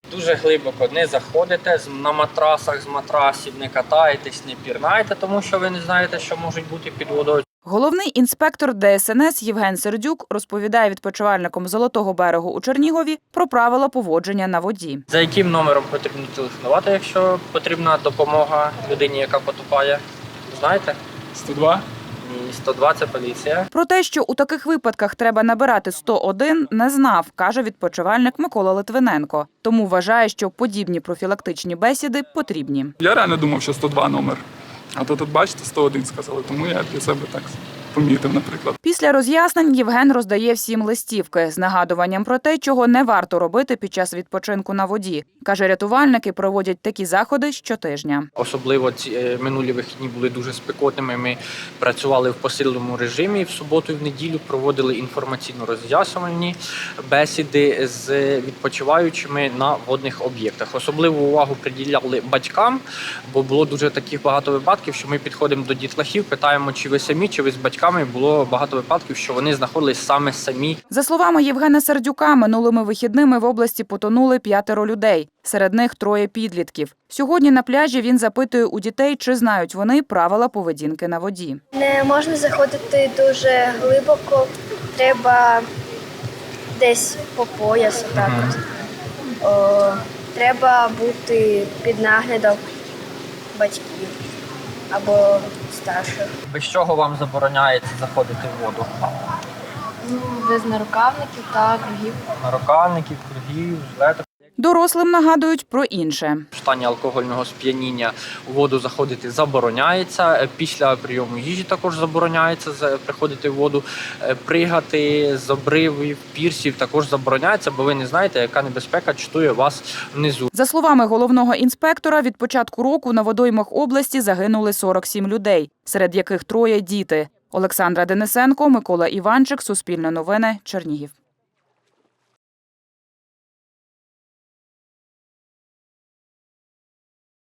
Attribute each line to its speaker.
Speaker 1: Дуже глибоко не заходите, на матрасах з матрасів не катаєтесь, не пірнаєте, тому що ви не знаєте, що можуть бути під водою.
Speaker 2: Головний інспектор ДСНС Євген Сердюк розповідає відпочивальникам Золотого берегу у Чернігові про правила поводження на воді.
Speaker 1: За яким номером потрібно телефонувати, якщо потрібна допомога людині, яка потопає? Знаєте?
Speaker 3: 102?
Speaker 1: Ні, 102 – це поліція.
Speaker 2: Про те, що у таких випадках треба набирати 101, не знав, каже відпочивальник Микола Литвиненко. Тому вважає, що подібні профілактичні бесіди потрібні.
Speaker 3: Я реально думав, що 102 номер. А то тут, бачите, 101 сказали, тому я для себе так помітив, наприклад.
Speaker 2: Після роз'яснень Євген роздає всім листівки з нагадуванням про те, чого не варто робити під час відпочинку на воді. Каже, рятувальники проводять такі заходи щотижня.
Speaker 1: Особливо ці минулі вихідні були дуже спекотними. Ми працювали в посиленому режимі в суботу і в неділю, проводили інформаційно-роз'яснювальні бесіди з відпочиваючими на водних об'єктах. Особливу увагу приділяли батькам, бо було дуже таких багато випадків, що ми підходимо до дітлахів, питаємо, чи ви самі, чи ви з батьками. Було багато випадків, що вони знаходились саме самі.
Speaker 2: За словами Євгена Сердюка, минулими вихідними в області потонули 5 людей. Серед них 3 підлітків. Сьогодні на пляжі він запитує у дітей, чи знають вони правила поведінки на воді.
Speaker 4: Не можна заходити дуже глибоко, треба десь по пояс. Так от. Треба бути під наглядом батьків або старших.
Speaker 1: Без чого вам забороняється заходити в воду?
Speaker 4: Без нарукавників та кругів.
Speaker 1: Нарукавників, кругів, жилеток.
Speaker 2: Дорослим нагадують про інше.
Speaker 1: В стані алкогольного сп'яніння у воду заходити забороняється. Після прийому їжі також забороняється приходити в воду. Пригати з обривів, пірсів також забороняється, бо ви не знаєте, яка небезпека чатує вас внизу.
Speaker 2: За словами головного інспектора, від початку року на водоймах області загинули 47 людей, серед яких 3 – діти. Олександра Денисенко, Микола Іванчик, Суспільне новини, Чернігів.